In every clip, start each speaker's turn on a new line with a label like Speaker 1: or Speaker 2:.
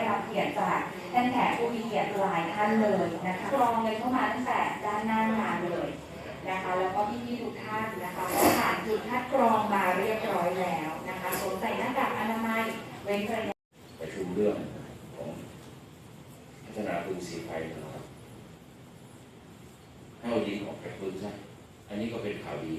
Speaker 1: รับเกียรติจากท่านแขกผู้มีเกียรติหลายท่านเลยนะคะกรองเงินเข้ามาตั้งแต่ด้านหน้างานเลยนะคะแล้วก็พี่ๆทุกท่านนะคะก็ผ่านจุดคัดกรองมาเรียบร้อยแล้วนะคะสวมใส่หน้ากากอนามัยเว้นระยะ
Speaker 2: ประชุมเรื่องของพัฒนาพื้นสีไฟนะครับให้เอาดินออกจากพื้นซะอันนี้ก็เป็นข่าวดี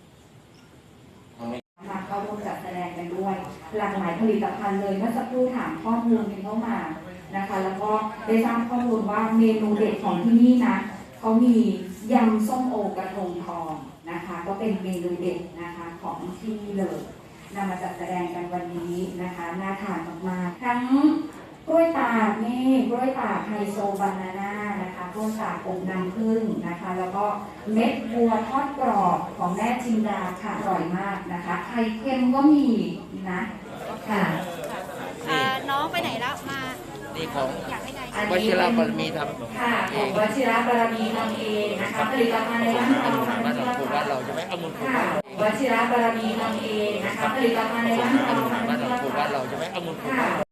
Speaker 1: มาเข้าร่วมจัดแสดงกันด้วยหลากหลายผลิตภัณฑ์เลยเมื่อสักครู่ถามข้อมูลกันเข้ามานะคะแล้วก็ได้ทราบข้อมูลว่าเมนูเด็ดของที่นี่นะเขามียำส้มโอกระทงทองนะคะก็เป็นเมนูเด็ดนะคะของที่นี่เลยนำมาจัดแสดงกันวันนี้นะคะน่าทานมากๆทั้งกล้วยตากนี่กล้วยตากไฮโซบานาน่านะคะกล้วยตากอบน้ำผึ้งนะคะแล้วก็เม็ดบัวทอดกรอบของแม่จินดาค่ะอร่อยมากนะคะไข่เค็มก็มีนะค่ะ
Speaker 3: น้องไปไหนแล้วมา
Speaker 4: นี่ของวชิรบารมีทำ
Speaker 1: ค่ะของวชิรบารมีทำเองนะคะผลิตภัณฑ์ในร้านเราค่ะ
Speaker 4: เราจะไม่เอาเงินของ
Speaker 1: วชิรบารมีทำเองนะคะผลิตภัณฑ์ในร้านเราค่ะ
Speaker 4: เราจะไม่เอาเงินของ